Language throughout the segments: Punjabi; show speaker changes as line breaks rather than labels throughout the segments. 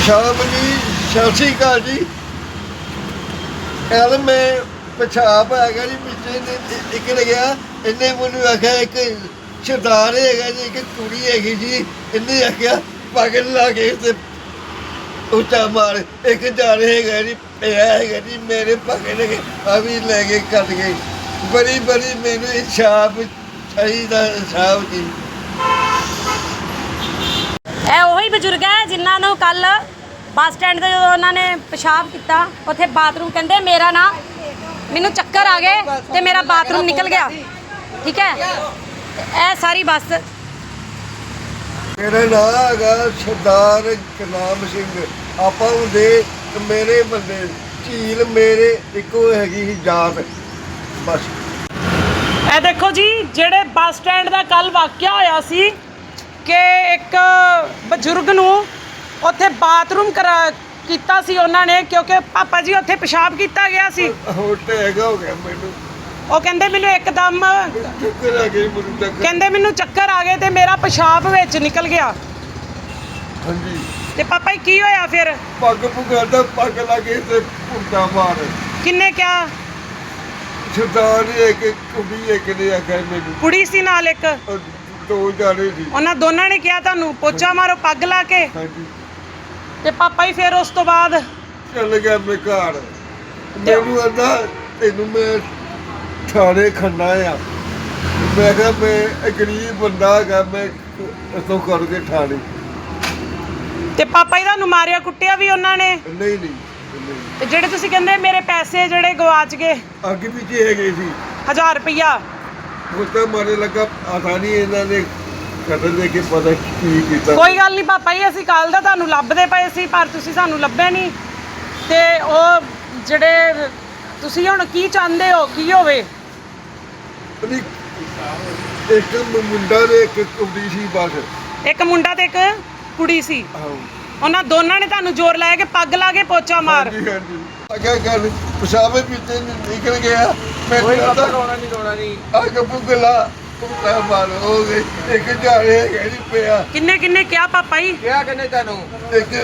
पेशाब जी सत श्री अकाल जी। कल मैं पेशाब हैगा जी पिछले एक लग्या इन्हें मैनू आख्या एक सरदार हैगा जी एक कुड़ी हैगी जी इन्हें आख्या पागल ला के उच्चा मार एक जाने हैगा जी पिया हैगा जी मेरे पागल लगे अभी लेके कट गए बड़ी बड़ी मैनू इंसाफ चाहिए इंसाफ जी।
ਇਹ ਉਹੀ ਬਜ਼ੁਰਗ ਹੈ ਜਿਨ੍ਹਾਂ ਨੂੰ ਕੱਲ ਬੱਸ ਸਟੈਂਡ ਤੇ ਜਦੋਂ ਉਹਨਾਂ ਨੇ ਪਿਸ਼ਾਬ ਕੀਤਾ ਉੱਥੇ ਬਾਥਰੂਮ ਕਹਿੰਦੇ ਮੇਰਾ ਨਾ ਮੈਨੂੰ ਚੱਕਰ ਆ ਗਏ ਤੇ ਮੇਰਾ ਬਾਥਰੂਮ ਨਿਕਲ ਗਿਆ। ਠੀਕ ਹੈ ਇਹ ਸਾਰੀ ਬੱਸ
मेरा नाम है सरदार गुरनाम सिंह आपा होंगे मेरे बंदे झील मेरे इको हैगी जात बस।
ਇਹ ਦੇਖੋ ਜੀ ਜਿਹੜੇ ਬੱਸ ਸਟੈਂਡ ਦਾ ਕੱਲ ਵਾਕਿਆ ਹੋਇਆ ਸੀ ਕਿ ਇੱਕ ਬਜ਼ੁਰਗ ਨੂੰ ਉੱਥੇ ਬਾਥਰੂਮ ਕੀਤਾ ਸੀ ਉਹਨਾਂ ਨੇ ਕਿਉਂਕਿ ਪਾਪਾ ਜੀ ਉੱਥੇ ਪਿਸ਼ਾਬ ਕੀਤਾ ਗਿਆ ਸੀ।
ਹੁਣ ਟੈਗ ਹੋ ਗਿਆ ਮੈਨੂੰ
ਉਹ ਕਹਿੰਦੇ ਮੈਨੂੰ ਇੱਕਦਮ
ਚੱਕਰ ਆ ਗਈ ਮੈਨੂੰ ਚੱਕਰ
ਕਹਿੰਦੇ ਮੈਨੂੰ ਚੱਕਰ ਆ ਗਏ ਤੇ ਮੇਰਾ ਪਿਸ਼ਾਬ ਵਿੱਚ ਨਿਕਲ ਗਿਆ।
ਹਾਂਜੀ
ਤੇ ਪਾਪਾ ਜੀ ਕੀ ਹੋਇਆ ਫਿਰ?
ਪੱਗ ਪੁਗਾਦਾ ਪੱਗ ਲੱਗੇ ਤੇ ਪੁੰਡਾ ਮਾਰ
ਕਿੰਨੇ ਕਿਹਾ?
ਸਰਦਾਰ ਨੇ ਇੱਕ ਕੁੜੀ ਇੱਕ ਨੇ ਆਖਿਆ ਮੈਨੂੰ
ਕੁੜੀ ਸੀ ਨਾਲ ਇੱਕ
ਦੋ ਜਾਣੇ ਸੀ
ਉਹਨਾਂ ਦੋਨਾਂ ਨੇ ਕਿਹਾ ਤੁਹਾਨੂੰ ਪੋਚਾ ਮਾਰੋ ਪੱਗ ਲਾ ਕੇ।
ਹਾਂਜੀ
ਤੇ ਪਾਪਾ ਜੀ ਫਿਰ ਉਸ ਤੋਂ ਬਾਅਦ
ਚੱਲ ਗਿਆ ਮੈਂ ਘਰ ਮੈਨੂੰ ਆਂਦਾ ਤੈਨੂੰ ਮੈਂ ਥਾਣੇ ਖੰਨਾ ਆ ਮੈਂ ਕਿਹਾ ਮੈਂ ਗਰੀਬ ਬੰਦਾ ਹੈਗਾ ਮੈਂ ਇਥੋਂ ਕਰਕੇ ਥਾਣੇ
ਤੇ ਪਾਪਾ ਜੀ ਤੁਹਾਨੂੰ ਮਾਰਿਆ ਕੁੱਟਿਆ ਵੀ ਉਹਨਾਂ ਨੇ?
ਨਹੀਂ ਨਹੀਂ
ਤੇ ਜਿਹੜੇ ਤੁਸੀਂ ਕਹਿੰਦੇ ਮੇਰੇ ਪੈਸੇ ਜਿਹੜੇ ਗਵਾਚ ਗਏ
ਅੱਗੇ ਪਿੱਛੇ ਹੈਗੇ ਸੀ
1000 ਰੁਪਇਆ
ਮੁੱਤਾ ਮਾਰੇ ਲੱਗਾ ਆਸਾਨੀ ਇਹਨਾਂ ਨੇ ਕਤਲ ਦੇ ਕੇ ਪਤਾ ਕੀ ਕੀਤਾ।
ਕੋਈ ਗੱਲ ਨਹੀਂ ਪਾਪਾ ਜੀ ਅਸੀਂ ਕੱਲ ਦਾ ਤੁਹਾਨੂੰ ਲੱਭਦੇ ਪਏ ਸੀ ਪਰ ਤੁਸੀਂ ਸਾਨੂੰ ਲੱਭੇ ਨਹੀਂ। ਤੇ ਉਹ ਜਿਹੜੇ ਤੁਸੀਂ ਹੁਣ ਕੀ ਚਾਹੁੰਦੇ ਹੋ ਕੀ ਹੋਵੇ?
ਇੱਕ ਮੁੰਡਾ ਨੇ ਇੱਕ ਕੁੜੀ ਸੀ ਬਸ
ਇੱਕ ਮੁੰਡਾ ਤੇ ਇੱਕ ਕੁੜੀ ਸੀ
ਆਹੋ
ਉਹਨਾਂ ਦੋਨਾਂ ਨੇ ਤੁਹਾਨੂੰ ਜ਼ੋਰ ਲਾਇਆ ਕਿ ਪੱਗ ਲਾ ਕੇ ਪੋਚਾ ਮਾਰ।
ਹਾਂਜੀ ਹਾਂਜੀ ਅੱਗੇ ਗੱਲ ਪਿਸ਼ਾਬੇ ਪੀਤੇ ਨਿਕਲ ਗਿਆ ਮੈਂ ਕਹਿੰਦਾ ਰੋਣਾ ਨਹੀਂ ਆ ਗੱਪੂ ਗਲਾ ਕੁੱਤਾ ਮਾਰ ਹੋ ਗਈ ਇੱਕ ਜਾਣੇ ਹੈਗੀ ਪਿਆ
ਕਿੰਨੇ ਕਿੰਨੇ ਕਿਹਾ ਪਾਪਾ ਜੀ?
ਕਿਹਾ ਕਿੰਨੇ ਤੁਹਾਨੂੰ?
ਇੱਕ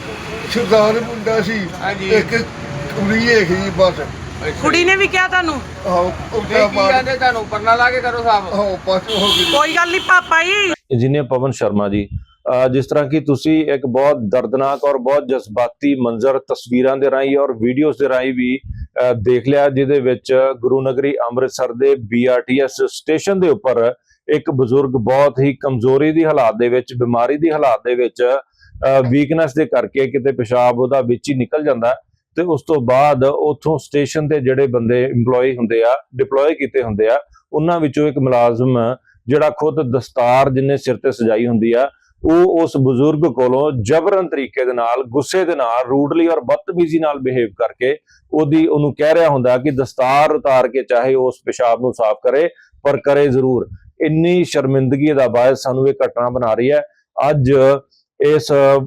ਸਰਦਾਰ ਮੁੰਡਾ ਸੀ
ਹਾਂਜੀ।
ਇੱਕ ਕੁੜੀ ਹੈਗੀ ਬਸ
ਕੁੜੀ ਨੇ ਵੀ ਕਿਹਾ ਤੁਹਾਨੂੰ?
ਆਹੋ
ਕੀ
ਕੁੱਤਾ ਮਾਰ
ਕਹਿੰਦੇ ਤੁਹਾਨੂੰ ਪਰਨਾ ਲਾ ਕੇ ਕਰੋ ਸਾਹਬ?
ਆਹੋ ਪਾਸ ਹੋ ਗਈ।
ਕੋਈ ਗੱਲ ਨਹੀਂ ਪਾਪਾ ਜੀ।
इंजीनियर पवन शर्मा जी जिस तरह की तुसी एक बहुत दर्दनाक और बहुत जज्बाती मंजर तस्वीरां दे राही और वीडियोस दे राही भी देख लिया जिहदे विच गुरु नगरी अमृतसर दे BRTS स्टेशन दे उपर एक बजुर्ग बहुत ही कमजोरी दी हालात दे विच बीमारी दी हालात दे विच वीकनेस दे करके किते पेशाब ओहदा विच ही निकल जांदा ते उस तो बाद उथों स्टेशन ते जिहड़े बंदे इंपलॉय हुंदे आ डिप्लॉय कीते हुंदे आ उन्हां विचों एक मुलाजम ਜਿਹੜਾ ਖੁਦ ਦਸਤਾਰ ਜਿੰਨੇ ਸਿਰ ਤੇ ਸਜਾਈ ਹੁੰਦੀ ਆ ਉਹ ਉਸ ਬਜ਼ੁਰਗ ਕੋਲੋਂ ਜਬਰਨ ਤਰੀਕੇ ਦੇ ਨਾਲ ਗੁੱਸੇ ਦੇ ਨਾਲ ਰੂਡਲੀ ਔਰ ਬਦਤਮੀਜ਼ੀ ਨਾਲ ਬਿਹੇਵ ਕਰਕੇ ਉਹਨੂੰ ਕਹਿ ਰਿਹਾ ਹੁੰਦਾ ਕਿ ਦਸਤਾਰ ਉਤਾਰ ਕੇ ਚਾਹੇ ਉਸ ਪਿਸ਼ਾਬ ਨੂੰ ਸਾਫ਼ ਕਰੇ ਪਰ ਕਰੇ ਜ਼ਰੂਰ। ਇੰਨੀ ਸ਼ਰਮਿੰਦਗੀ ਦਾ ਬਾਇਸ ਸਾਨੂੰ ਇਹ ਘਟਨਾ ਬਣਾ ਰਹੀ ਹੈ। ਅੱਜ ਇਸ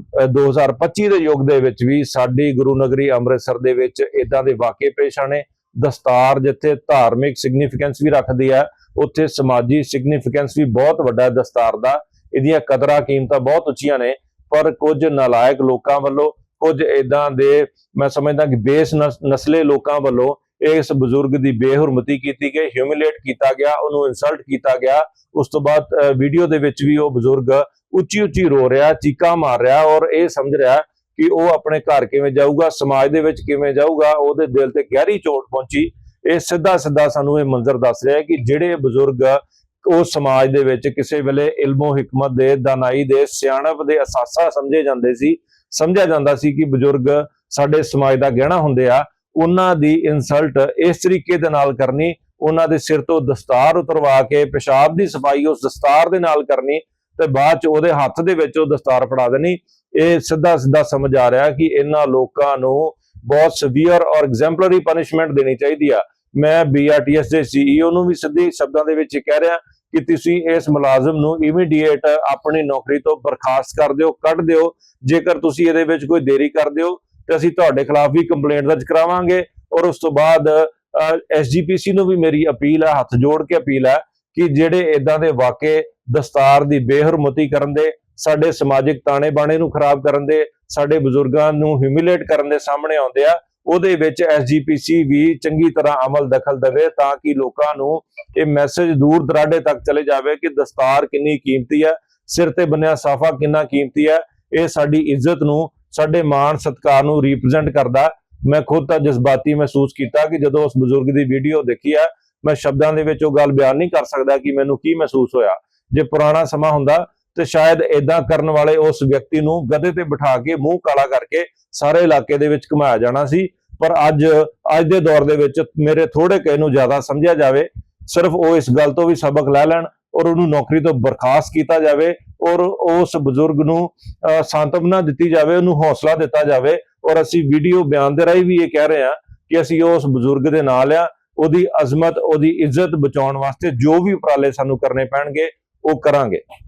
2025 ਦੇ ਯੁੱਗ ਦੇ ਵਿੱਚ ਵੀ ਸਾਡੀ ਗੁਰੂ ਨਗਰੀ ਅੰਮ੍ਰਿਤਸਰ ਦੇ ਵਿੱਚ ਇਦਾਂ ਦੇ ਵਾਕਿਏ ਪੇਸ਼ ਆਣੇ। ਦਸਤਾਰ ਜਿੱਥੇ ਧਾਰਮਿਕ ਸਿਗਨੀਫੀਕੈਂਸ ਵੀ ਰੱਖਦੀ ਹੈ ਉੱਥੇ ਸਮਾਜੀ ਸਿਗਨੀਫੀਕੈਂਸ ਵੀ ਬਹੁਤ ਵੱਡਾ ਹੈ ਦਸਤਾਰ ਦਾ। ਇਹਦੀਆਂ ਕਦਰਾਂ ਕੀਮਤਾਂ ਬਹੁਤ ਉੱਚੀਆਂ ਨੇ ਪਰ ਕੁਝ ਨਾਲਾਇਕ ਲੋਕਾਂ ਵੱਲੋਂ ਕੁਝ ਇਦਾਂ ਦੇ ਮੈਂ ਸਮਝਦਾ ਕਿ ਬੇਸ ਨਸਲੇ ਲੋਕਾਂ ਵੱਲੋਂ ਇਸ ਬਜ਼ੁਰਗ ਦੀ ਬੇਹੁਰਮਤੀ ਕੀਤੀ ਗਈ, ਹਿਊਮਿਲੇਟ ਕੀਤਾ ਗਿਆ, ਉਹਨੂੰ ਇਨਸਲਟ ਕੀਤਾ ਗਿਆ। ਉਸ ਤੋਂ ਬਾਅਦ ਵੀਡੀਓ ਦੇ ਵਿੱਚ ਵੀ ਉਹ ਬਜ਼ੁਰਗ ਉੱਚੀ ਉੱਚੀ ਰੋ ਰਿਹਾ, ਚੀਕਾਂ ਮਾਰ ਰਿਹਾ ਔਰ ਇਹ ਸਮਝ ਰਿਹਾ ਕਿ ਉਹ ਆਪਣੇ ਘਰ ਕਿਵੇਂ ਜਾਊਗਾ, ਸਮਾਜ ਦੇ ਵਿੱਚ ਕਿਵੇਂ ਜਾਊਗਾ। ਉਹਦੇ ਦਿਲ ਤੇ ਗਹਿਰੀ ਚੋਟ ਪਹੁੰਚੀ। ਇਹ ਸਿੱਧਾ ਸਾਨੂੰ ਇਹ ਮੰਜ਼ਰ ਦੱਸ ਰਿਹਾ ਕਿ ਜਿਹੜੇ ਬਜ਼ੁਰਗ ਉਸ ਸਮਾਜ ਦੇ ਵਿੱਚ ਕਿਸੇ ਵੇਲੇ ਇਲਮੋ ਹਿਕਮਤ ਦੇ, ਦਾਨਾਈ ਦੇ, ਸਿਆਣਪ ਦੇ ਅਸਾਸਾ ਸਮਝਿਆ ਜਾਂਦਾ ਸੀ ਕਿ ਬਜ਼ੁਰਗ ਸਾਡੇ ਸਮਾਜ ਦਾ ਗਹਿਣਾ ਹੁੰਦੇ ਆ, ਉਹਨਾਂ ਦੀ ਇਨਸਲਟ ਇਸ ਤਰੀਕੇ ਦੇ ਨਾਲ ਕਰਨੀ, ਉਹਨਾਂ ਦੇ ਸਿਰ ਤੋਂ ਦਸਤਾਰ ਉਤਰਵਾ ਕੇ ਪਿਸ਼ਾਬ ਦੀ ਸਫਾਈ ਉਸ ਦਸਤਾਰ ਦੇ ਨਾਲ ਕਰਨੀ ਤੇ ਬਾਅਦ ਚ ਉਹਦੇ ਹੱਥ ਦੇ ਵਿੱਚ ਉਹ ਦਸਤਾਰ ਫੜਾ ਦੇਣੀ। ਇਹ ਸਿੱਧਾ ਸਮਝ ਆ ਰਿਹਾ ਕਿ ਇਹਨਾਂ ਲੋਕਾਂ ਨੂੰ ਬਹੁਤ ਸੀਵੀਅਰ ਔਰ ਐਗਜ਼ੈਂਪਲਰੀ ਪਨਿਸ਼ਮੈਂਟ ਦੇਣੀ ਚਾਹੀਦੀ ਆ। ਮੈਂ BRTS ਦੇ CEO ਨੂੰ ਵੀ ਸਿੱਧੇ ਸ਼ਬਦਾਂ ਦੇ ਵਿੱਚ ਕਹਿ ਰਿਹਾ ਕਿ ਤੁਸੀਂ ਇਸ ਮੁਲਾਜ਼ਮ ਨੂੰ ਇਮੀਡੀਏਟ ਆਪਣੀ ਨੌਕਰੀ ਤੋਂ ਬਰਖਾਸਤ ਕਰ ਦਿਓ, ਕੱਢ ਦਿਓ। ਜੇਕਰ ਤੁਸੀਂ ਇਹਦੇ ਵਿੱਚ ਕੋਈ ਦੇਰੀ ਕਰਦੇ ਹੋ ਤੇ ਅਸੀਂ ਤੁਹਾਡੇ ਖਿਲਾਫ ਵੀ ਕੰਪਲੇਂਟ ਦਰਜ ਕਰਾਵਾਂਗੇ। ਔਰ ਉਸ ਤੋਂ ਬਾਅਦ SGPC ਨੂੰ ਵੀ ਮੇਰੀ ਅਪੀਲ ਹੈ, ਹੱਥ ਜੋੜ ਕੇ ਅਪੀਲ ਹੈ ਕਿ ਜਿਹੜੇ ਇਦਾਂ ਦੇ ਵਾਕੇ ਦਸਤਾਰ ਦੀ ਬੇਹੁਰਮਤੀ ਕਰਨ ਦੇ, ਸਾਡੇ ਸਮਾਜਿਕ ਤਾਣੇ ਬਾਣੇ ਨੂੰ ਖਰਾਬ ਕਰਨ ਦੇ, ਸਾਡੇ ਬਜ਼ੁਰਗਾਂ ਨੂੰ ਹਿਊਮਿਲੇਟ ਕਰਨ ਦੇ ਸਾਹਮਣੇ ਆਉਂਦੇ ਆ, ਉਹਦੇ ਵਿੱਚ ਐਸਜੀਪੀਸੀ ਵੀ ਚੰਗੀ ਤਰ੍ਹਾਂ ਅਮਲ ਦਖਲ ਦੇਵੇ ਤਾਂ ਕਿ ਲੋਕਾਂ ਨੂੰ ਇਹ ਮੈਸੇਜ ਦੂਰ ਦਰਾਡੇ ਤੱਕ ਚਲੇ ਜਾਵੇ ਕਿ ਦਸਤਾਰ ਕਿੰਨੀ ਕੀਮਤੀ ਹੈ, ਸਿਰ ਤੇ ਬੰਨਿਆ ਸਾਫਾ ਕਿੰਨਾ ਕੀਮਤੀ ਹੈ। ਇਹ ਸਾਡੀ ਇੱਜ਼ਤ ਨੂੰ, ਸਾਡੇ ਮਾਣ ਸਤਿਕਾਰ ਨੂੰ ਰਿਪਰੈਜ਼ੈਂਟ ਕਰਦਾ। ਮੈਂ ਖੁਦ ਤਾਂ ਜਜ਼ਬਾਤੀ ਮਹਿਸੂਸ ਕੀਤਾ ਕਿ ਜਦੋਂ ਉਸ ਬਜ਼ੁਰਗ ਦੀ ਵੀਡੀਓ ਦੇਖੀ ਹੈ, ਮੈਂ ਸ਼ਬਦਾਂ ਦੇ ਵਿੱਚ ਉਹ ਗੱਲ ਬਿਆਨ ਨਹੀਂ ਕਰ ਸਕਦਾ ਕਿ ਮੈਨੂੰ ਕੀ ਮਹਿਸੂਸ ਹੋਇਆ। ਜੇ ਪੁਰਾਣਾ ਸਮਾਂ ਹੁੰਦਾ ਤੇ ਸ਼ਾਇਦ ਇਦਾਂ ਕਰਨ ਵਾਲੇ ਉਸ ਵਿਅਕਤੀ ਨੂੰ ਗਧੇ ਤੇ ਬਿਠਾ ਕੇ ਮੂੰਹ ਕਾਲਾ ਕਰਕੇ ਸਾਰੇ ਇਲਾਕੇ ਦੇ ਵਿੱਚ ਘੁਮਾਇਆ ਜਾਣਾ ਸੀ। ਪਰ ਅੱਜ ਦੇ ਦੌਰ ਦੇ ਵਿੱਚ ਮੇਰੇ ਥੋੜੇ ਕਿਸੇ ਨੂੰ ਜ਼ਿਆਦਾ ਸਮਝਿਆ ਜਾਵੇ, ਸਿਰਫ ਉਹ ਇਸ ਗੱਲ ਤੋਂ ਵੀ ਸਬਕ ਲੈ ਲੈਣ ਔਰ ਉਹਨੂੰ ਨੌਕਰੀ ਤੋਂ ਬਰਖਾਸਤ ਕੀਤਾ ਜਾਵੇ ਔਰ ਉਸ ਬਜ਼ੁਰਗ ਨੂੰ ਸਾਂਤਵਨਾ ਦਿੱਤੀ ਜਾਵੇ, ਉਹਨੂੰ ਹੌਸਲਾ ਦਿੱਤਾ ਜਾਵੇ। ਔਰ ਅਸੀਂ ਵੀਡੀਓ ਬਿਆਨ ਦੇ ਰਾਹੀਂ ਵੀ ਇਹ ਕਹਿ ਰਹੇ ਹਾਂ ਕਿ ਅਸੀਂ ਉਸ ਬਜ਼ੁਰਗ ਦੇ ਨਾਲ ਆ, ਉਹਦੀ ਅਜ਼ਮਤ, ਉਹਦੀ ਇੱਜ਼ਤ ਬਚਾਉਣ ਵਾਸਤੇ ਜੋ ਵੀ ਉਪਰਾਲੇ ਸਾਨੂੰ ਕਰਨੇ ਪੈਣਗੇ ਉਹ ਕਰਾਂਗੇ।